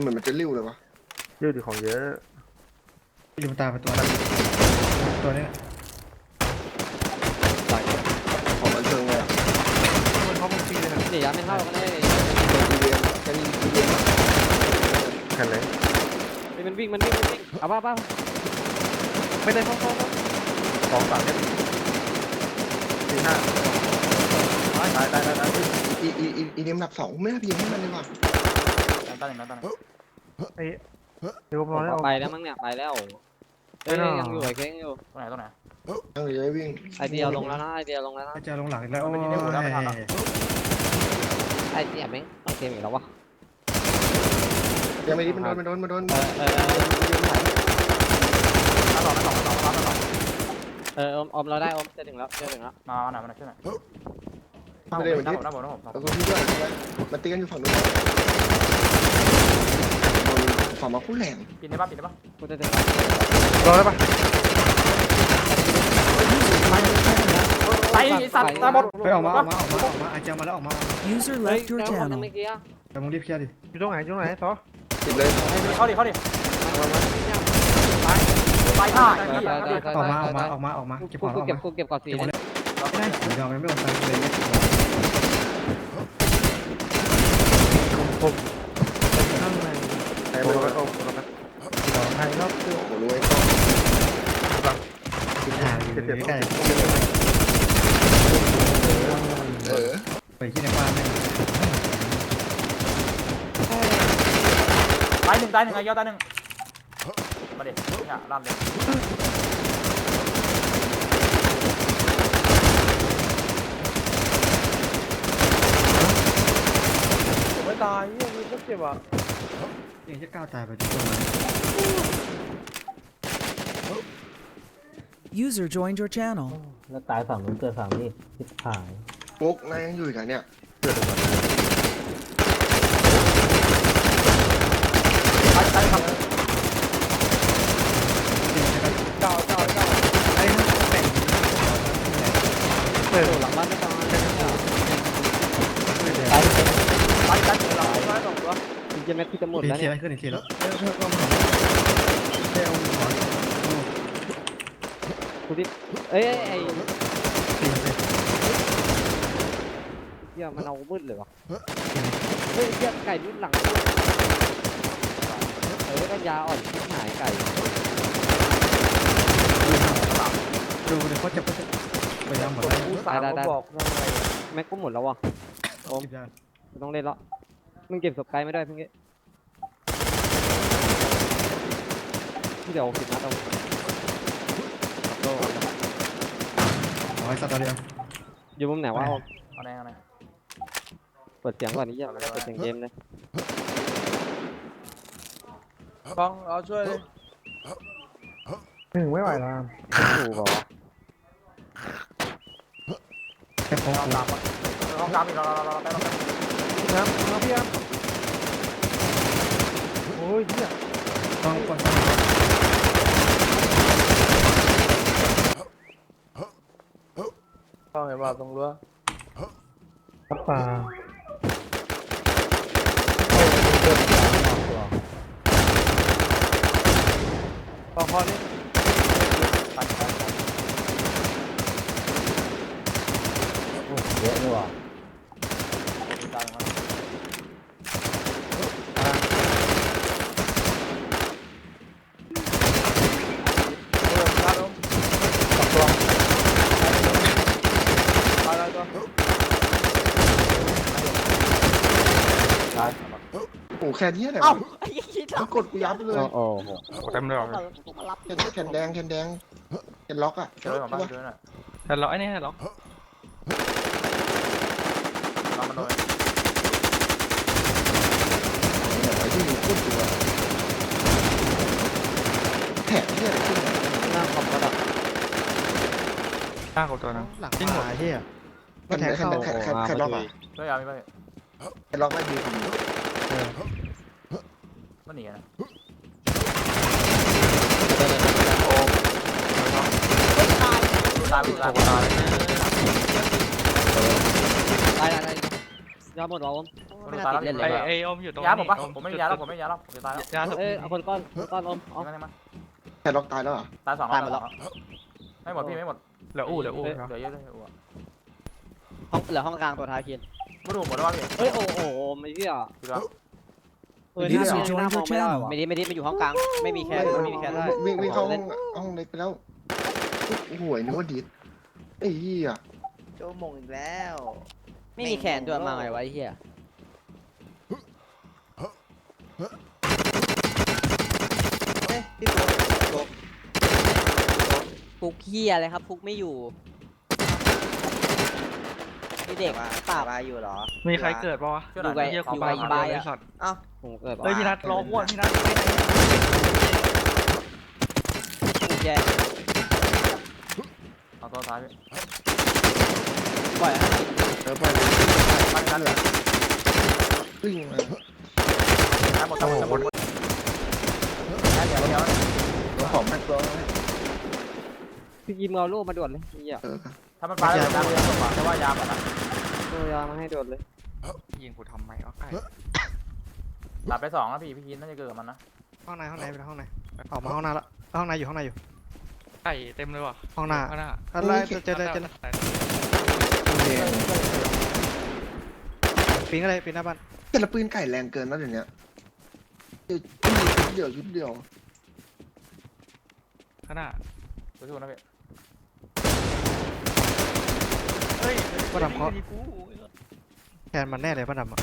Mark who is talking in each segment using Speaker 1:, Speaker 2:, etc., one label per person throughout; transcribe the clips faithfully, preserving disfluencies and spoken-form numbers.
Speaker 1: เหมือนมันจะริ้วเลยวะ
Speaker 2: ยืดของเยอะ
Speaker 3: อยู่ตาไปตัวตัวนี้
Speaker 1: ตายของมันเชิงเลย
Speaker 3: มันเข้ามุมปีเลยนะ
Speaker 4: เดี๋ยวไม่เข้ากันเลย
Speaker 1: เรียนกันเรียน
Speaker 2: แค่ไหน
Speaker 4: มันวิ่งมันวิ่งมันวิ่งเอาบ้าบ้าไม่ได้เข้าเข้า
Speaker 2: สองสามเนี่ยสี่ห้าตายตายตายตาย
Speaker 1: อีอีอีอีเดียมหนับสองไม่น่าพิงให้มันเลยว่ะ
Speaker 2: ตายหนึ่งตายหนึ่ง
Speaker 3: ไอ้เดี๋ยวพอแล้ว
Speaker 4: ไปแล้วมั้งเนี่ยไปแล้วเอ้ยยังอยู่ไอ้เค้งอยู่
Speaker 2: ตรงไหนตรงไหน
Speaker 1: ยังเลยวิ่ง
Speaker 4: ไอเดียลงแล้วนะไอเดียลงแล้วนะ
Speaker 3: ไอเจ้าลงหลังแล้วโอ้ย
Speaker 4: ไอเดียแม่งต้องเกมอีกแล้ววะ
Speaker 1: ยังไม่ดีมันโดนมันโดนมันโดน
Speaker 4: เออเออ
Speaker 2: มาต่อมาต่อมาต่อมาต่อ
Speaker 4: เอออมเราได้อมจะถึงแล้วจะถึงแล้ว
Speaker 2: มาหน่อยมาหน่อยช่วยหน่อย
Speaker 1: ไม่ได้เหมือนที่
Speaker 2: น้ำผมน้ำผม
Speaker 1: แล้วก็พี่ด้วยมันตีกันอยู่ฝั่งนู้นฝั่งมาคู่แหลม
Speaker 2: ปิดได้ปะปิดได้ปะ
Speaker 4: กูจะถึง
Speaker 3: รอได้ปะ
Speaker 2: ไปสัตว์ตาบอด
Speaker 3: ไปออกมาออกมาออกมาออกมาไอเจ้ามาแล้วออกมา
Speaker 4: user left your channel
Speaker 3: แต่มึงรีบเคลียร์ดิอยู่ตรงไหนตรงไหนซอ
Speaker 1: ติดเลย
Speaker 2: เข้าดิเข้าดิไปท่า
Speaker 3: ออกมาออกมาออกมาออกมาเก็บของออกมา
Speaker 4: เก็บกูเก็บก่อนสี
Speaker 3: ไม่ได้ผมยอมไม่ลงไปเลยผมข้างใน
Speaker 1: ไอ้โบ้โอ้โห
Speaker 3: สองไทยรอบตัว
Speaker 1: โอ้โหรวย
Speaker 3: ก็ติดหางอยู่ใกล้
Speaker 1: เออ
Speaker 3: ไปที่ในบ้านเลย
Speaker 2: ตายหนึ่งตายหนึ่งไอ้ยอดตายหนึ่งมาดิเนี่ยลั่นเลย
Speaker 3: ไม่ตายยังมีก็เจ็บอ่ะยังจะก้าวตายไปทุกคน
Speaker 5: User joined your channel
Speaker 6: แล้วตายฝั่งนู้นเกิดฝั่งนี้ทิศผาย
Speaker 1: ปุ๊กนายยังอยู่อีกอ่ะเนี่ย
Speaker 2: ตายตายครับ
Speaker 3: เก้าเก้าเก้าไอ้นั่นแบ่ง
Speaker 4: เออหลังบ้านไม่ตาย
Speaker 2: ตายตายตายหลังตายสองตัว
Speaker 4: จริงๆแม็กพี่จะหมดแล้ว
Speaker 3: เนี่ยขึ้นอีกทีแล้วเออเพิ่มก็มาเจ้าหมอน
Speaker 4: กูดิเอ้ยไอ้เหี้ยมันเอามืดเลยวะเฮ้ยเหี้ยไก่รุ่นหลังเออกันยาอ่อนหายไก่
Speaker 3: ดูเดี๋ยวเขาจะพยายามหมดแล้ว
Speaker 4: ตายได้ได้แม็กก็หมดแล้ววะโอมต้องเล่นแล้วมึงเก็บศพไกลไม่ได้เพิ่งเงี้ยที่เดี๋ยวสิบนัดเอา
Speaker 3: เอาไว้สักตัวเดียว
Speaker 4: อยู่มุมไหนวะโอม
Speaker 2: เอาไหนเอาไหน
Speaker 4: เปิดเสียงก่อนนี่ยังเปิดเสียงเกมเลย
Speaker 2: ฟังเอาช่วยเลย
Speaker 3: หนึ่งไม่ไหวแล้ว
Speaker 4: ถูกเหรอ
Speaker 3: แค่พอ
Speaker 2: ห้องน้ำห้องน้ำอีกเราเราเราไปเราไป
Speaker 3: น้ำน้ำพี่อ่ะโอ้ยเนี่ยต้องก่อน
Speaker 2: ต้องเห็นว่าตรงรั้ว
Speaker 3: ครับป่า
Speaker 2: ต่อคอนี่ปันปัน
Speaker 6: เยอะเลยว่ะ
Speaker 2: ดังมาก
Speaker 1: โอ้แค่นี้แหละต้องกดกูยับเลย
Speaker 4: โอ้โห
Speaker 2: เต็มเลย
Speaker 1: แขนแดงแขนแดงแขนล็อกอ่ะ
Speaker 2: เจอของบ้านเจอน่ะ
Speaker 4: แต่ล็อกไอ้นี่ล็อก
Speaker 2: ล็อกมันโดน
Speaker 1: ไอ้ที่มีขึ้นตัวแถบที่อะไรขึ้น
Speaker 4: หน้าคอมก็ดับ
Speaker 2: หน้าของตัวนึง
Speaker 3: หลังที่หัวที่อ่ะ
Speaker 1: ก็แถบแขนแขนแขนแขนล็อกอ่ะ
Speaker 2: ช่วยยามีป่ะ
Speaker 1: แขนล็อกไม่ดี
Speaker 2: มันหนีนะตายตายตาย
Speaker 4: ตายตายตายยาหมดหรอผม
Speaker 5: ไม่น่าติดเล่นเลย
Speaker 7: ไอ้
Speaker 5: ว่ะ
Speaker 7: ไอ้อมอยู่ตรง
Speaker 2: ยาผมปะ
Speaker 7: อ
Speaker 2: ผมไม่มียาแล้วผมไม่มียาแล้วผมจะตายแล้ว
Speaker 7: ยาส
Speaker 4: เอ้ยเอาคนก้อนคนก้อนอมเอา
Speaker 2: ยิงมันยิงมัน
Speaker 1: แค่ล็อกตายแล้วเหรอ
Speaker 2: ตายสองรอบแล้วไม่หมดพี่ไม่หมด
Speaker 7: เหลืออู้เหลืออู้
Speaker 2: เหลือเยอะเลยอู้
Speaker 5: ห้องเหลือห้องกลางตัวท้ายคิน
Speaker 2: ไม่รู้หมดแล้วพี่
Speaker 4: เฮ้ยโอ้โหไม่เชื่อ
Speaker 2: พี่แล้ว
Speaker 4: เออนี่หน้ามองไม่ได้ว่ะ
Speaker 5: ไม่ได้ไม่ได้มันอยู่ห้องกลางไม่มีแค่ไม่มีแค่ได้
Speaker 1: วิ่งวิ่งเข้าห้องห้องเล็กไปแล้วโอ้โหนึกว่าดิดไอ้เหี้ย
Speaker 8: โจมงอีกแล้ว
Speaker 5: ไม่มีแขนตัวมาไงวะไอ้เหี้ยเฮ้ยพี่ฟุกฟุกฟุกเหี้ยอะไรครับฟุกไม่อยู่นี่เด็ก
Speaker 8: ว่า
Speaker 5: ปราบ
Speaker 8: ว่าอยู่เหรอ
Speaker 7: มีใครเกิดปะวะ
Speaker 2: ช่วยหน่อย
Speaker 7: เฮีย
Speaker 5: อยู่
Speaker 7: กู
Speaker 5: ไกล
Speaker 7: ไป
Speaker 5: อยู่ไกล
Speaker 7: ไอ้
Speaker 5: อะ
Speaker 7: สัตว์
Speaker 8: เอ้า
Speaker 5: ผมเกิด
Speaker 7: เฮ้ยพี่นัทรออ้วนพี่นัท
Speaker 5: ฟุกแย่
Speaker 2: เอาตัวท้ายพี่
Speaker 5: ปล่อยให้
Speaker 1: เออไปเลย
Speaker 2: มันกันเหรอ
Speaker 1: วิ่งมา
Speaker 2: หมดหมดหมดหมดเดี๋ยวเดี๋ยว
Speaker 1: ตัวของแม็กซ์ร้อย
Speaker 4: พี่กิมเอาลูกมาด่วนเลยเหี้ย
Speaker 1: เออ
Speaker 2: ถ้ามันไปแล้วยาเลยผมว่าแต่ว่ายาหมดละ
Speaker 4: ตัวยามาให้ด่วนเลย
Speaker 7: ยิงกูทำไมวะไก่
Speaker 2: หลับไปสองแล้วพี่พี่คินน่าจะเกิดกับมันนะ
Speaker 3: ห้องในห้องในเป็นห้องในออกมาห้องหน้าละห้องในอยู่ห้องในอยู่
Speaker 7: ไก่เต็มเลยว่ะ
Speaker 3: ห้องหน้า
Speaker 7: ข้างหน้า
Speaker 3: อะไรเจอเลยเจอเลยปีนอะไรปีนหน้าบ้าน
Speaker 1: แต่ละปืนไก่แรงเกินแล้วเดี๋ยวนี้เดี๋ยวชุดเดียวชุดเดียว
Speaker 7: ข้างหน้า
Speaker 2: สู้ๆนะพี่
Speaker 7: เฮ้ย
Speaker 3: ป้าดำเขา
Speaker 7: ดีกู
Speaker 3: แทนมันแน่เลยป้าดำอ่ะ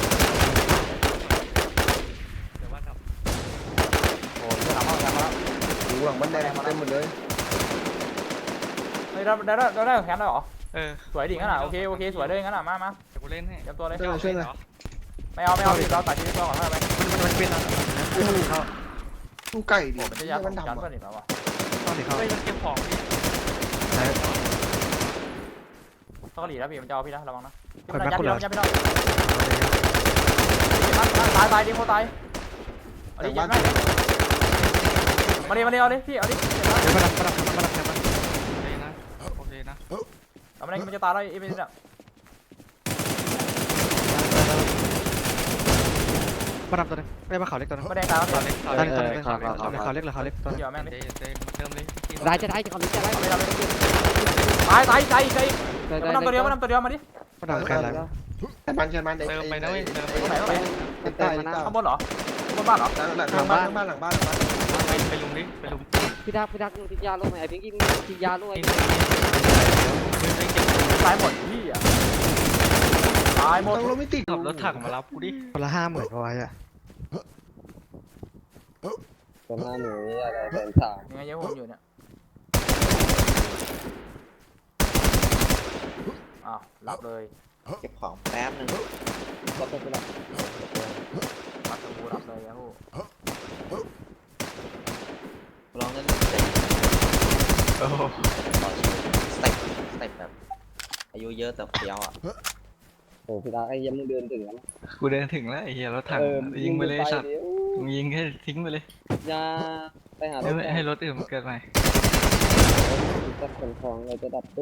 Speaker 7: เดี๋ยวว่าดับ
Speaker 2: โอ้ยจะหลับห้องแล้ว
Speaker 1: หูหลังบ้านแดงเต็มหมดเลย
Speaker 2: เฮ้ยได้ได้ได้ได้แขนได้หรอ
Speaker 7: เออ
Speaker 2: สวยดิงั้นอ่ะโอเคโอเคสวยเลยงั้นอ่ะมามา
Speaker 7: เดี๋ยวกูเล่นให้
Speaker 2: เตรียมตัวเลย
Speaker 7: ไม่เอาเล่นเหรอ
Speaker 2: ไม่เอาไม่เอาเราตัดชีวิตก่อนเท่าไหร่
Speaker 3: มันมันเป็นอะไรเขา
Speaker 1: ตู้ไก่ดิ
Speaker 2: มันจะยา
Speaker 1: มัน
Speaker 2: ดำ
Speaker 1: ดำ
Speaker 2: เพื่อ
Speaker 1: อ่ะ
Speaker 2: นอีกแล้ววะ
Speaker 3: ต้องดิเขา
Speaker 7: เฮ้ยมันเก็บของพี่
Speaker 2: ต้องหลีแล้วพี่มันจะเอาพี่นะระวังนะยัดพี่น้องยัดพี่น้องตายตายดิโคตายเอาดิยัดแม่มาดิมาดิเอาดิพี่เอาดิ
Speaker 3: เดี๋ยวป้าดำป้าดำป้าดำแทนมัน
Speaker 7: โอเคนะโอเคนะ
Speaker 2: เอามาดิมันจะตายแล้วไอ้เป็นเนี่ย
Speaker 3: ป้าดำตัวนึงได้ป้าขาวเล็กตัวนึง
Speaker 2: ไม่ได้ตายแล้ว
Speaker 7: ตอนเล็กตอน
Speaker 3: ตา
Speaker 7: เล็
Speaker 3: ย
Speaker 7: ก
Speaker 3: หนึ่งตายหนึ่งขาวเล็กเลยขาวเล็กตัวนึง
Speaker 2: เดี๋ยวแม่งดิ
Speaker 7: เต้เต้เติมเลย
Speaker 4: ได้จะได้จะคำนี้จะได้
Speaker 2: เอาไปเอาไปตายตายตายตาย
Speaker 4: ได้ได้
Speaker 2: มันนำตัวเดียวมันนำตัวเดียวมาดิ
Speaker 3: ป้าดำแค่อะไร
Speaker 1: แค่บ้านแค่บ้าน
Speaker 7: เติมไปนะเว้ยเติมไป
Speaker 2: ตรงไหนตรงไหน
Speaker 1: ใต้ใต้
Speaker 2: ข้างบนเหรอข้างบนบ้านเหรอ
Speaker 1: หลังหลังบ้านหลังบ้านหลังบ้านหลังบ้าน
Speaker 7: ไปไปลุมดิไปลุม
Speaker 4: พี่ดักพี่ดักมึงกินยาลูกไหมไอ้พิงกี้มึงกินยาลูกไอ้
Speaker 7: นี่ไปเก็บ
Speaker 2: ตายหมดพี่อ่ะตายหมด
Speaker 1: ต้องรถไม่ติด
Speaker 7: ขับรถถังมารับกูดิ
Speaker 3: คนละห้าหมื่นพอไว้อะ
Speaker 4: ตัวหน้าหนูอะไรแสนสาม
Speaker 2: ยังไงเยอะผมอยู่เนี่ยอ้าวหลับเลย
Speaker 8: เก็บของแป๊บนึง
Speaker 4: ก็ต้องไปละ
Speaker 2: หลับสบู่หลับเลยยาฮู
Speaker 8: ลองเล่นสเต็ป
Speaker 7: โอ้โห
Speaker 8: สเต็ปสเต็ปแบบอายุเยอะแต่เฟี้ยวอ่ะ
Speaker 4: โอ้พี่ดักไอ้ยังมึงเดินถึงแล้ว
Speaker 7: กูเดินถึงแล้วไอ้เหี้ยรถถังยิงไปเลยสัตว์มึงยิงแค่ทิ้งไปเลย
Speaker 4: ยาไปหา
Speaker 7: ให้ให้รถอื่นมันเกิดใหม่
Speaker 4: จะขนของเราจะดับตู้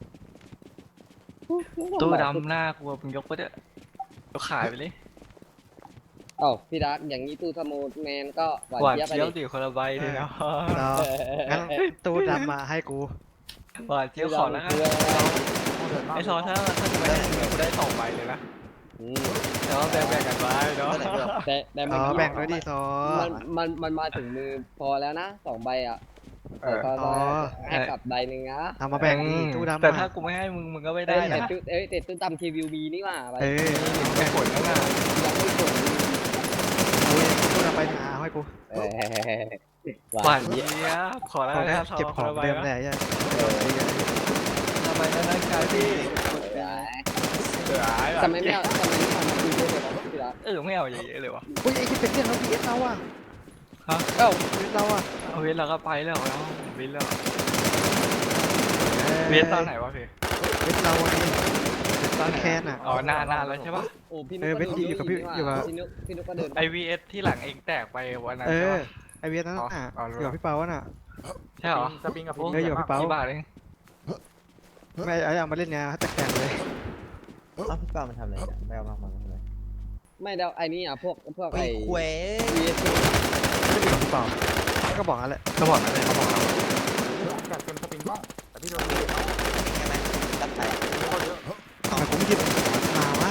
Speaker 7: ตู้ดำหน้ากูมึงยกไปเถอะยกขายไปเลย
Speaker 4: เอ้าพี่ดักอย่างนี้ตู้สมูทแมนก็หวาน
Speaker 7: หวาน
Speaker 4: เจี๊ยบไป
Speaker 7: เจี๊ยบ
Speaker 4: ดิ
Speaker 7: ดิคนละใบเลยเนาะ
Speaker 3: เรางั้นตู้ดำมาให้กู
Speaker 7: หวานเจี๊ยบขอแล้วกันไอซอถ้าถ้าจะไม่ได้กูได้สองใบเลยนะแต่ว่าแบ่งๆกันไว้เนาะ
Speaker 4: แต่แต่
Speaker 3: อ๋อแบ่งด้วยดิซอ
Speaker 4: มันมันมันมาถึงมือพอแล้วนะสองใบอ่ะแต่ก็
Speaker 3: อ๋อ
Speaker 4: ให้กลับใบหนึ่งนะ
Speaker 3: เอามาแบ่งดิตู้ดำ
Speaker 7: แต่
Speaker 3: มา
Speaker 7: ถ้ากูไม่ให้มึงมึงก็ไม่ได้
Speaker 4: เอ้ยแต่
Speaker 7: นะ
Speaker 4: ตู้เอ้ยแต่ตู้ตำทีวีบีนี่หว่าใบ
Speaker 3: เออ
Speaker 7: แบ่งผลแล้วนะ
Speaker 4: ยังไม่ส่ง
Speaker 3: ตู้ดำไปหาให้กู
Speaker 4: เออ
Speaker 7: หวานเจี๊ยบขอแล้ว
Speaker 3: เอา
Speaker 7: นะ
Speaker 3: เก็บของเดิมเลยไอ้
Speaker 7: ทำไมนะนักการพี่เสือ
Speaker 4: ทำไมไม่เอาทำไมไม่เอามาคุยด้วยเลยวะพี่ละ
Speaker 7: เออไม่เอาเยอะๆเลยวะ
Speaker 3: เฮ้ยไอ้ที่เป็นเรื่องเราพีเอสเราอ่ะ
Speaker 4: เอ้า
Speaker 3: พีเอสเราอ่ะ
Speaker 7: เอาเวทเราก็ไปแล้วเนาะวินแล้วเวทตอนไหนวะพี่
Speaker 3: เวทเราไง
Speaker 7: ตอนไหน
Speaker 3: แคนอ่ะ
Speaker 7: อ๋อนานนานแล้วใช่ปะ
Speaker 4: โอ้พี่นุ๊
Speaker 3: เออเว้นที่อยู่กับพี่อยู่กับ
Speaker 4: พี่นุ๊กพี่นุ๊กก็เดิน
Speaker 7: ไอวีเอสที่หลังเองแตกไปวันนั้น
Speaker 3: เอ
Speaker 7: ใช่
Speaker 3: อ
Speaker 7: ปะ
Speaker 3: ไอเวียนั่นน่ะอยู่กับพี่เปาน่ะ
Speaker 7: ใช่เหรอ
Speaker 2: สปริงกับ
Speaker 3: เอออยู่กับพี่เปา
Speaker 7: กี่บาทเอง
Speaker 3: ไม่ไอ้เอามาเล่นไงแตกๆเลย
Speaker 8: อ้าวพี่เป้ามันทำอะไรเนี่ยไม่เอามากมันทำอะไร
Speaker 4: ไม่แล้วไอ้นี่อ่ะพวกพวก
Speaker 8: ไอ้
Speaker 4: ไอ้
Speaker 8: ควย
Speaker 4: วีเอส
Speaker 2: ไม่มีหรือเปล่าก็บอกนั่นแหละ
Speaker 7: ก็บอกนะเลยเขาบอกเรา
Speaker 2: อยากเต็มสปริงบ้างแต่พี่โดน
Speaker 8: ใช่ไหมตัดแตก
Speaker 2: ทำไมผมไม่คิดมาว่า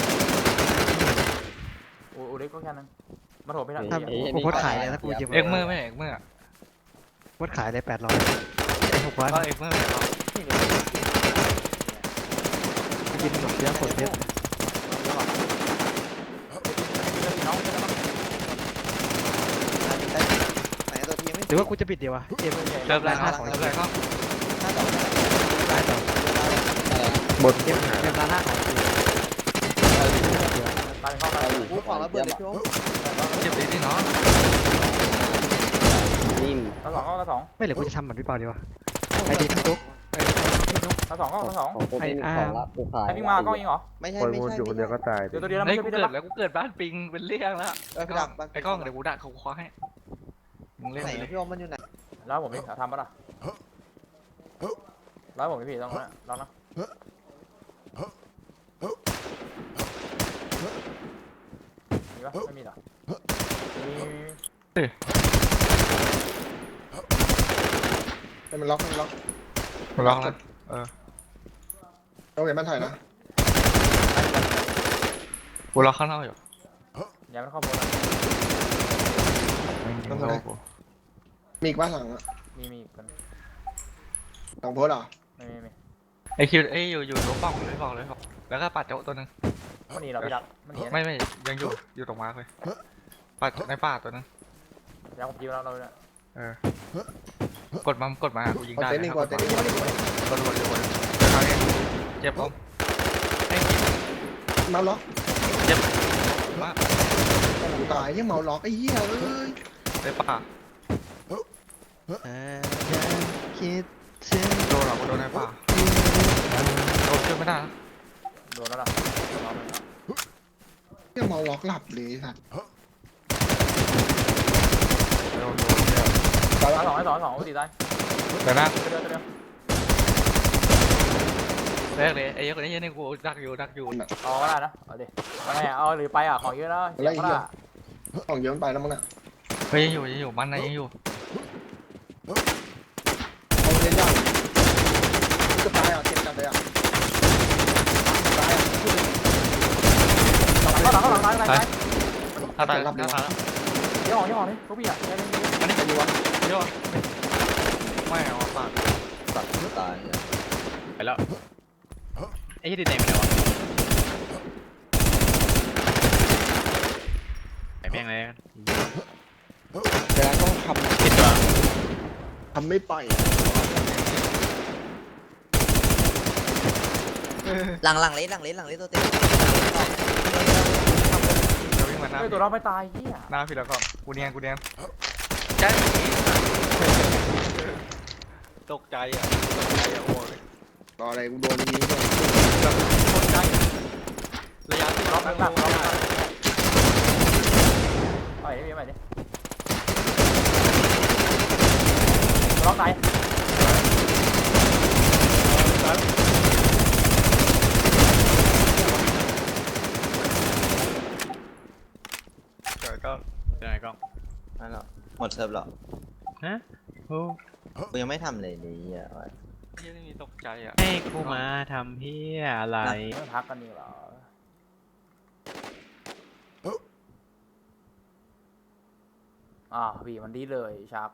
Speaker 2: โอ้โหเด็กก็แค่นั้นมาโถไม่ได้ผมโพสขายเลยถ้ากูยิง
Speaker 7: เอ็กเมอร์ไม่เอ็กเมอร์
Speaker 2: โพสขายเลยแปดร้อยหกร้อย
Speaker 7: ก็เอ็กเมอร์ไม่เอา
Speaker 2: กินหมดเยอะคนเยอะ
Speaker 8: ไหนตัวทีไม่
Speaker 2: หรือว่ากูจะปิดเดียววะเกม
Speaker 7: เริ่มแรกครับเริ่มแรกครับ
Speaker 8: ห้าต่อ
Speaker 2: ร้ายต่อบ
Speaker 4: นเกมเกมร้านห้าของ
Speaker 2: ตายเข้าไป
Speaker 8: กูของระเบิดเลยพี่โอ๊ค
Speaker 7: เจ็บดีที่เนาะ
Speaker 4: นิ่ม
Speaker 2: แล้วสองก็สองไม่เหลือกูจะทำเหมือนพี่เปาดีวะไอ้ดีทุกทุกแล้วสองก็สอง
Speaker 4: ของกูไม่มีของละกูขาย
Speaker 2: ไอ้พี่มาก็ยิงเหรอ
Speaker 8: ไม่ใช่ไม่ใช่อยู่คนเดียวก็ตาย
Speaker 2: เดี๋ยวตัวเดียวนะ
Speaker 7: ไอ้
Speaker 2: ไม่ใช่
Speaker 7: กู
Speaker 2: พี่
Speaker 7: เกิ
Speaker 2: เดิ
Speaker 7: ด
Speaker 2: ม
Speaker 7: แล้วกูเกิดบ้านปิงเป็นเรื่องแล้ว
Speaker 8: เออพี่ดัก
Speaker 7: ไอ้กล้องเดี๋ยวกูดักเขาคว้าให้มึงเล่น
Speaker 8: ไหน
Speaker 7: เลย
Speaker 8: พี่โอ๊คมันอยู่ไหน
Speaker 2: แล้วผมพี่ทำปะล่ะแล้วผมพี่ต้องนะลองนะมีปะไม่มีหรอมี
Speaker 1: ให้มันล็อกให้มันล็อก
Speaker 7: กูลองแล้ว
Speaker 1: เราเห็นมันถ่ายนะ
Speaker 7: กูรอข้างนอกอยู่
Speaker 2: อย่ามันเข้าโบน
Speaker 1: ต้องทำไงมีอีกบ้านหลังอะ
Speaker 2: มีมีกัน
Speaker 1: หลังโพสต์เหรอ
Speaker 2: ไม่มีไม่
Speaker 7: ไอ้คิวไอ้อยู่อยู่ตัวป้องเลยบอกเลยบอกแล้วก็ปัดโจ๊ตัวนึง
Speaker 2: มันหนีเราพี่ดักมันหนี
Speaker 7: ไม่ไม่ยังอยู่อยู่ตรงมาเลยปัดในป่าตัวนึง
Speaker 2: ยังผมยิงแล้วเราเนี่ย
Speaker 7: เออกดมากดมากูยิง
Speaker 1: เอา
Speaker 7: ได้
Speaker 1: เต็นท์นี่กว่าเต็นท์นี่กว่า
Speaker 7: กดกดกดเดี๋ยวคราวนี้เจ็บผมไอ้
Speaker 1: เมาล็อก
Speaker 7: เจ็บมาก
Speaker 1: กูตายที่เมาล็อกไอ้เหี้ยเอ้ย
Speaker 7: ในป่า
Speaker 2: คิดถึง
Speaker 7: โดนหรอกูโดนในป่าโดนช่วยไม่ได้
Speaker 2: โดนแล้วล่ะ
Speaker 1: เหี้ยเมาล็อกหลับเลยสัตว์
Speaker 7: โดนโดนเดี๋ยว
Speaker 1: ตาย
Speaker 2: ส
Speaker 1: แล้
Speaker 2: อง
Speaker 1: ว
Speaker 2: สองสองสองตีได้
Speaker 7: เดี๋ยวนะ
Speaker 2: เดียวเดียว
Speaker 7: แรกเลยไอ้คนนี้ยังในกูดักอยู่ดักอยู่
Speaker 2: เอาก็ได้นะเอาดิเอาไงเอาหรือไปอ่ะของเยอะนะเสียก็ได้
Speaker 1: ของเยอะมันไปแล้วมั้งน่ะ
Speaker 7: เฮ้ยยังอยู่ยังอยู่มันนะยังอยู่
Speaker 1: เอาเล่นยากจะตายอ่ะเจ็บจัดเลยอ่ะตายอ่ะพูดเลย
Speaker 2: หลังหลังหลังหลังหลัง
Speaker 7: ถ้าตายถ้าตาย
Speaker 2: เดี๋ยวออกเดี๋ยวออกนี่เขาพี่อ่ะ
Speaker 7: อันนี้จะอยู่วะเดี๋ยวไม่เอาปาก
Speaker 8: ตัดตาย
Speaker 7: ไปแล้วไอ้ที่ดินไหนไปไหนวะไอ้แม่งเลย
Speaker 1: แต่ต้องท
Speaker 7: ผิดตัว
Speaker 1: ำทำไม่ไป
Speaker 8: หลังหลังเลสหลังเลสหลังเลสตัวเต็ม
Speaker 7: เราวิ่งมาหน้า
Speaker 2: เฮ้ยตัวเราไม่ตายเฮีย
Speaker 7: หน้าพี่แล้วก็กูเนียนกูเนียนใช่ตกใจอ่ะตกใจอ่ะโอ้ย
Speaker 1: ต่ออะไรกูโดนยิงก่อน
Speaker 7: ตกใจระยะที่
Speaker 2: ล็
Speaker 7: ล็
Speaker 2: อ
Speaker 7: อก ก
Speaker 2: หลั
Speaker 7: แล้
Speaker 2: ง
Speaker 7: ว
Speaker 2: หลังล็อกไปดิไปดิล็อกไหน
Speaker 7: เกิดก็ยังไงก็
Speaker 8: นั่นหรอหมดเซิร์ฟหรอ
Speaker 7: ฮะโอ้
Speaker 8: กูยังไม่ทำเลยนี่อ่ะ
Speaker 7: ที่นี่ตกใจอ่ะ
Speaker 3: ให้กูมาทำเพี้ยอะไร
Speaker 2: พักกันนี่เหรออ่าพี่มันดีเลยชัก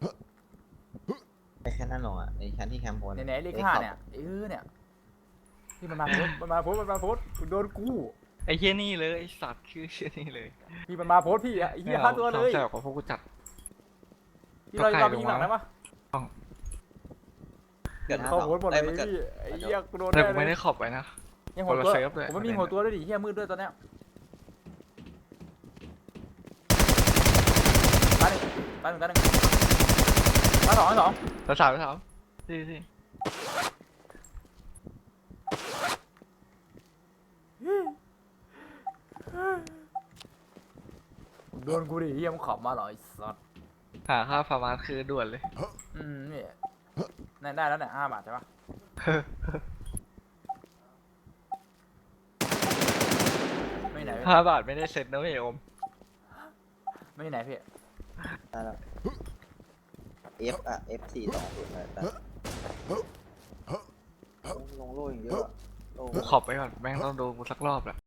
Speaker 8: ไปแค่นั้นหรออ่ะไอ้ชั้นที่แคมป์โพน
Speaker 2: เนี่ยเลขห้าเนี่ยเออเนี่ยที่มันมาโพสมันมาโพสมันมาโพสโดนกู
Speaker 7: ไอ้เฮียนี่เลยไอ้สัตว์ชื่อเฮียนี่เลย
Speaker 2: พี่มันมาโพสพี่อ่ะไอ้เหี้ยห้าตัวเลย
Speaker 7: แซวกับพวกกูจัด
Speaker 2: พี่เราเราไปยิงหลังได้ปะ
Speaker 8: เกิดห้า
Speaker 2: เขา
Speaker 8: สอง
Speaker 2: โพสหมดเล
Speaker 8: ได้
Speaker 2: ย
Speaker 8: มันเกิด
Speaker 2: พี่ไอ้เหี้ยกูโดน
Speaker 7: แต่
Speaker 2: แน่
Speaker 7: กู
Speaker 2: เล
Speaker 7: ไม่
Speaker 2: ย
Speaker 7: ได้ขอบไปนะ
Speaker 2: ยังหัวตัว
Speaker 7: คนละเซฟด้วย
Speaker 2: ผมไม่มีหัวตัวด้วยดิเหี้ยมืดด้วยตอนเนี้ยตาหนึ่งตาหนึ่งตาหนึ่งตาสองตาสอง
Speaker 7: แล้วสาวสาวสิสิ
Speaker 2: โดนกูดิเหี้ยมึงขับมาเหรอไอ้สัส
Speaker 7: หาค่าฟาร์มาสคือด่วนเลย
Speaker 2: อืมนี่นั่นได้แล้วเนี่ยห้าบาทใช่ปะไม่ไหนไหนพี่
Speaker 7: ห้าบาทไม่ได้เซ็ตนะเว้ยโอม
Speaker 2: ไม่อยู่ไหนพี่
Speaker 8: ได้แล้ว F อ่ะ F สี่สองศูนย์แต่ลงโล่อย่างเยอะอะโอ้
Speaker 7: กูขอบไปก่อนแม่งต้องดูกูสักรอบแหละ